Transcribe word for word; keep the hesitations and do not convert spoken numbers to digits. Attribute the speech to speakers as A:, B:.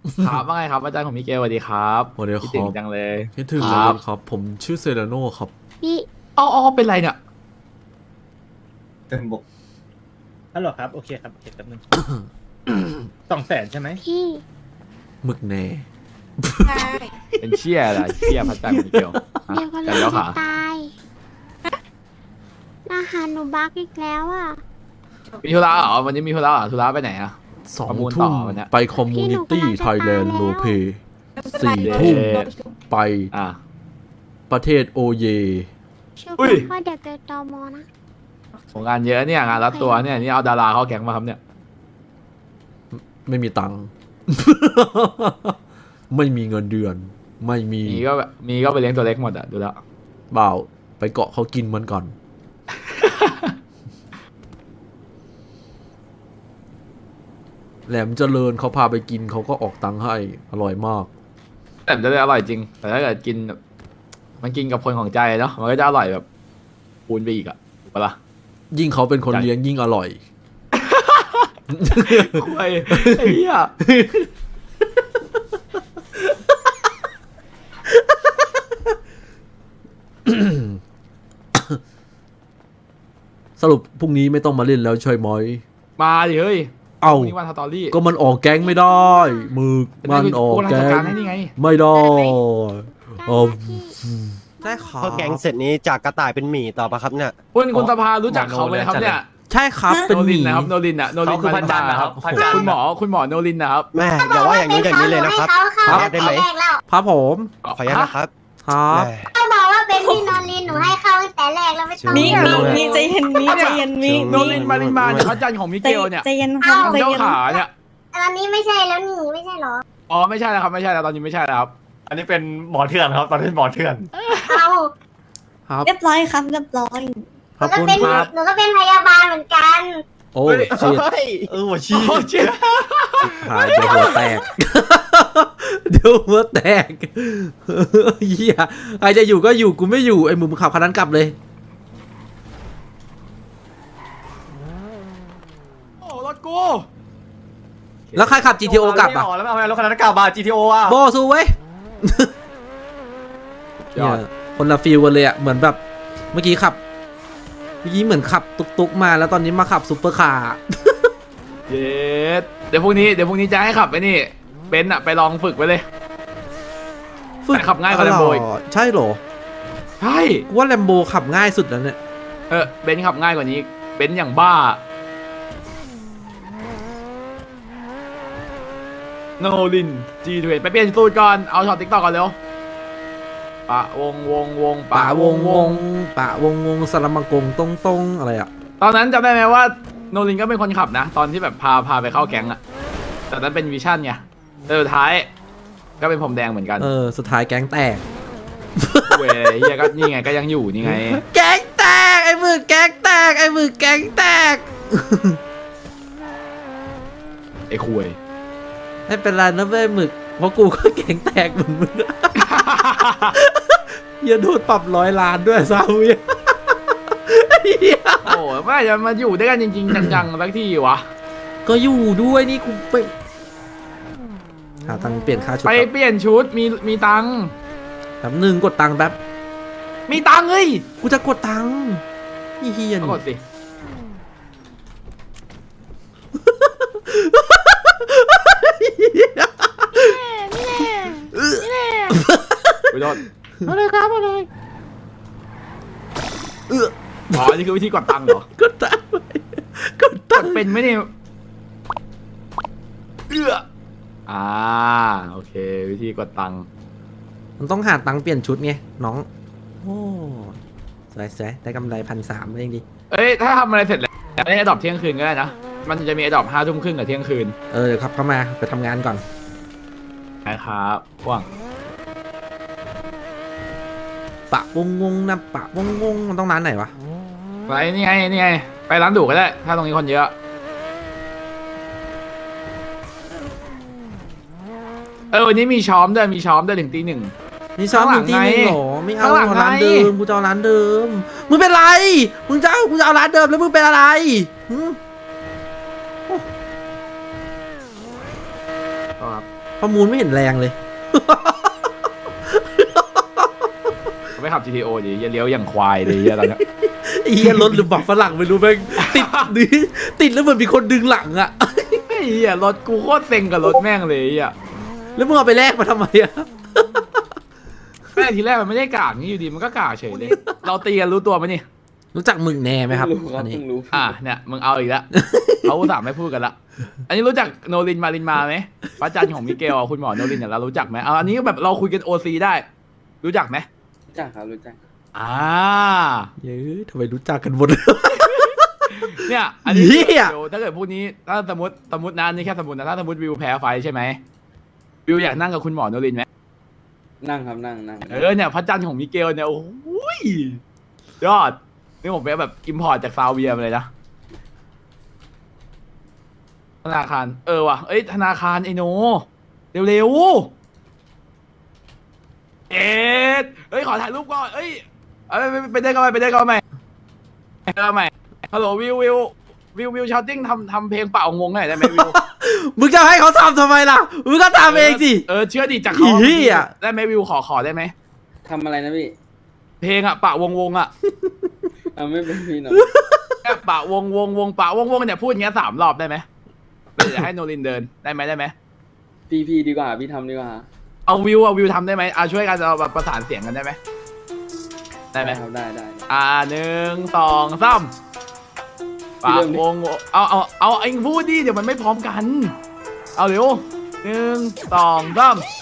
A: ครับว่าไงครับอาจารย์ของมิเกลสวัสดีครับ
B: สวัสดีค
A: คิดถึง
B: รับ
A: จังเลย
B: คิดถึง
A: ค
B: เล
A: รับ
B: ยครับ ผมชื่อเซเลโนครับ
C: พี่
A: อ๋ออ๋อเป็นไรเนี่ย
D: เต็มบก
E: ฮัลโหลครับ โอเคครับ โอเคแป๊บนึง สองแสนใช่ไหม
C: พี่
B: หมึกแน่
C: ใช่
A: เป็นเชี่ยอะไรเชี่ยพระอาจารย์ของมิเกลฮะ
C: เดี๋ยวก็
A: จั
C: เล
A: น
C: ย
A: แล้ว
C: จะ
A: ขา
C: ตายอาหารหนูบักอีกแล้วอ่ะ
A: มีธุระเหรอวันนี้มีธุระเหรอธุระไปไหนอะ
B: สอง
A: ประมูลต่
B: ทุ่
A: อ
B: ม
A: วันเนี้ย
B: ไปคอมมูนิตี้ไทยแลนด์โลเพสี่ทุ่มไป
A: อ่ะ
B: ประเทศโอเย
C: ชื่อ
A: อุ้ย
C: พ่อเด็กเกิดตอมอนะ
A: งานเยอะเนี่ยงานรัดตัวเนี่ยนี่เอาดาราเข้าแก๊งมาครับเนี่ย
B: ไม่มีตังค์ ไม่มีเงินเดือน ไม่มี
A: มีก็แบบมีก็ไปเลี้ยงตัวเล็กหมดอะดูแล้ว
B: เปล่าไปเกาะเขากินมันก่อน แหลมเจริญเขาพาไปกินเขาก็ออกตังค์ให้อร่อยมาก
A: แต่มันจะได้อร่อยจริง แต่ถ้าเกิดกินแบบมันกินกับคนของใจเนาะมันก็จะอร่อยแบบคูณไปอีกอะถูกปะล่ะ
B: ยิ่งเขาเป็นคนเลี้ยงยิ่งอร่อย
A: คุยไอ้เหี้ย
B: สรุปพรุ่งนี้ไม่ต้องมาเล่นแล้วใช่ไหม
A: มาดิเฮ้ย
B: เอ้า
A: พรุ่งนี้วันสตอรี่
B: ก็มันออกแก๊งไม่ได้มึกมันออกแก๊
A: ก
B: ง
A: ให้นี่ไง
B: ไม่ได้
C: ได้
B: เออ
C: นะพี่
B: ได้ครั
F: พอแกงเสร็จนี้จากกระต่ายเป็นหมีต่อปะครับเนี่ย
A: คุณคุณสภารู้จักเขาไหมครับเนี่ย
B: ใช่ครับเป็น
A: โน
B: ห
A: ลิ
B: มี
A: นนะครับโนลินอะโนลิน
D: เขาคือพระจันทร์นะครับพระจันทร์
A: คุณหมอคุณหมอโนลินนะครับ
F: แม่อย่าว่าอย่างนี้อย่างนี้เลยนะครับ
C: เขา
F: ขออนุญาตได้ไหม
C: แรกแล้ว
B: ครับผม
F: ขออนุญาตนะครับ
B: ครับ
F: แม่
C: เขาบอกว่าเป็นพี่นอรินหนูให้เข้าตั้งแต่แรกแล้วไม่ต้อง
G: มี
C: ให้
G: มี
C: เข้า
G: มีใจเย็นมีใจเย็นมี
A: โนลินมารินมาเนี่ยพระจันทร์ของมิ
G: ใจ
A: เกลเนี่ย
G: ใจเย็นครับใจ
A: เจ้า
G: เย็น
A: ขาเนี่ย
C: ตอนนี้ไม่ใช่แล้วนี่ไม่ใช่เหรอ
A: อ๋อไม่ใช่แล้วครับไม่ใช่แล้วตอนนี้ไม่ใช่แล้วครับ
D: อันนี้เป็นหมอเถื่อนครับ ตอนนี้เป็นหมอเถื่อน
C: เอา
B: ครับ
G: เรียบร้อยครับเรียบร้อย
B: ข
C: ห
B: อบ
C: นูก็
B: คุณ
C: เป็น
B: ครับ
C: หนูก็เป็นพยาบาลเหมือนกัน
B: โอ้ชิด
D: เออหัวชี้
A: โอ้เจ๊ย
B: หายเดี๋ยวหัวแตก เดี๋ยวหัวแตกเฮียใครจะอยู่ก็อยู่กูไม่อยู่ไอ้มึงขับคันนั้นกลับเลย
A: โอ้รถกู
B: แล้วใครขับ จี ที โอ กลับอ่ะ
D: แล้วไม่เอารถคันนั้นกลับมา จี ที โอ อ่ะ
B: โบสู้เว้ย
A: ยอด
B: เนี่ยคนละฟีลกันเลยอ่ะเหมือนแบบเมื่อกี้ขับเมื่อกี้เหมือนขับตุกๆมาแล้วตอนนี้มาขับซุปเปอร์คาร์
A: เย็ดเดี๋ยวพรุ่งนี้เดี๋ยวพรุ่งนี้จะให้ขับไปนี่เบนซ์อะไปลองฝึกไปเลย แต่ขับง่ายกว่า Lambo อีก
B: ใช่เหรอ
A: ใช่
B: กูว่าแลมโบขับง่ายสุดแล้วเนี่ย
A: เออเบนซ์ขับง่ายกว่านี้เบนซ์อย่างบ้าโนลินจีทเวไปเปลี่ยนสูตรก่อนเอาช็อตติ๊กต็อกก่อนเร็วปะวงวงวง
B: ป่าวงวงป่าวงวงสลัมมังกงตรงตรงๆอะไรอ่ะ
A: ตอนนั้นจำได้ไหมว่าโนลินก็เป็นคนขับนะ ตอนที่แบบพาพาไปเข้าแก๊งอะแต่นั้นเป็นวิชั่นไงแต่สุดท้าย ก็เป็นผมแดงเหมือนกัน
B: เออสุดท้ายแก๊งแตก
A: เว้ยเฮียก็นี่ไงก็ยังอยู่นี่ไง
B: แก๊งแตกไอ้มือแก๊งแตกไอ้มือแก๊งแตก
A: ไอ้คุย
B: ไม่เป็นไรนะเว้ยหมึกเพราะกูก็แก๊งแตกเหมือนมึง อย่าโดนปรับร้อยล้านด้วยซาเวีย เหี้ย
A: โอ้ยไม่จะมาอยู่ด้วยกันจริงๆจังๆสักที่วะ
B: ก็อยู่ด้วยนี่กูไปหาตังค์เปลี่ยนค่าชุด
A: ไป
B: ก่อน
A: เปลี่ยนชุดมีมีตังค์
B: แป๊บหนึ่งกดตังค์แป๊บ
A: มีตังค์เฮ้ย
B: กูจะกดตังค์อีเฮีย
A: ก็
B: นี่
A: กดสิไปโดน
B: เอาเลยครับเอาเลยเออ
A: อ๋อนี่คือวิธีกดตังค์เหรอก
B: ดตังค์ไว้กด
A: ก
B: ตัง
A: ด
B: ค์
A: เป็นไหมเนี่ยเอื้ออ่าโอเค วิธีกดตังค์
B: มันต้องหาตังค์เปลี่ยนชุดไงน้องโอ้สวยสวยได้กำไรพันสามเองดิ
A: เอ้ยถ้าทำอะไรเสร็จแล้วได้อดอบเที่ยงคืนก็ได้นะมันจะมีอดอบห้าทุ่มครึ่งกับเที่ยงคืน
B: เออเดี๋ยวครับเข้ามาไปทำงานก่อน
A: นะครับว่าง
B: ปะวงวงนะปะวงวงมันต้องร้านไหนวะ
A: ไปนี่ไงนี่ไงไปร้านดูก็ได้ ถ้าตรงนี้คนเยอะเออวันนี้มีช้อมด้วยมีช้อมด้วยถึงตีหนึ่ง
B: นี่ซ้อมอยู่ที่นี่
A: ข้างหลังไง
B: เหรอไม่เอา
A: ข้างหลัง
B: ร้าน
A: ไง
B: เดิมกูจะเอาร้านเดิมมึงเป็นไรมึงจะเอากูจะเอาร้านเดิมแล้วมึงเป็นอะไรหืม
A: ครับ
B: ประมูลไม่เห็นแรงเลย
A: ไปขับ จี ที โอ ดิอย่าเลี้ยวอย่างควายเลยเหี้ยตอนเนี้ย
B: ไอ้เหี้ยรถหรือบักฝรั่งไม่รู้แม่งติดดิติดแล้วเหมือนมีคนดึงหลังอะ
A: ไอ้เหี้ยรถกูโคตรเซ็งกับรถแม่งเลยไอ่ะ
B: แล้วมึงเอาไปแลกมาทำไมอะ
A: แม่งทีแรกมันไม่ได้กากนี่อยู่ดีมันก็กากเฉยเลย เราตีกันรู้ตัวไหมนี่
B: รู้จักมึงแน่ไหมครับ
H: รู้ครั
B: อั
H: บ
B: นนี้
H: เพิ่งรู้
A: อ่ะเนี่ยมึงเอาอีกแล้ว เขาอุตส่าห์ไม่พูดกันละอันนี้รู้จักโนรินมารินมาไหมพระจันทร์ของมิเกลอ่ะคุณหมอโนรินเนี่ยเรารู้จักไหมเอาอันนี้แบบเราคุยกันโอซีได้ รู้จักไหม
H: รู้จักครับรู้จัก
A: อ่า
B: เย้ยทำไมรู้จักกันหมด
A: เนี่ยอันนี้
B: เหี้ย
A: เดี๋ยวถ้าเกิดพวกนี้ถ้าสมมติสมมตินะนี่แค่สมมตินะถ้าสมมติวิวแพ้ไฟใช่ไหมวิวอยากนั่งกับคุณหมอโนรินไหม
H: นั่งครับนั่งนั่ง
A: เออเนี่ยพระจันทร์ของมิเกลเนี่ยโอ้ยยอดนี่ผมไปแบบอิมพอร์ตจากซาอุดิอาระเบียมาเลยนะธนาคารเออว่ะเอ้ยธนาคารไอโนเร็วๆเอ็ดเอ้ยขอถ่ายรูปก่อนเอ้ยเอาไปไปไปได้ก็ไปไปได้ก็ไปไปได้ก็ไปฮัลโหลวิววิววิววิวชาวติ้งทำทำเพลงเป่างงหน่อยได้ไหมวิว
B: มึงจะให้เขาทำทำไมล่ะ มึงก็ทำเองสิ
A: เออเชื่อดิจากเขา
B: อีเหี้ย
A: ได้ไหมวิวขอขอได้ไหม
H: ทำอะไรนะพี่
A: เพลงอะปะวงวงอะ
H: เอาไม่เป็นพี่หนอ
A: แค่ปะวงวงวงปะวงวงเนี่ยพูดอย่างเงี้ยสามรอบได้ไหมเดี๋ยวให้โนรินเดินได้ไหมได้ไหม
H: พี่พี่ดีกว่าพี่ทำดีกว่า
A: เอาวิวเอาวิวทำได้ไหมเอาช่วยกันเอาแบบประสานเสียงกันได้ไหมได้ไหม
H: ครับได้ได้ได้
A: อ่าหนึ่งสองสามปะวงวงเอาเอาเอาเองพูดดิเดี๋ยวมันไม่พร้อมกัน เอาเร็วหนึ่งสองสาม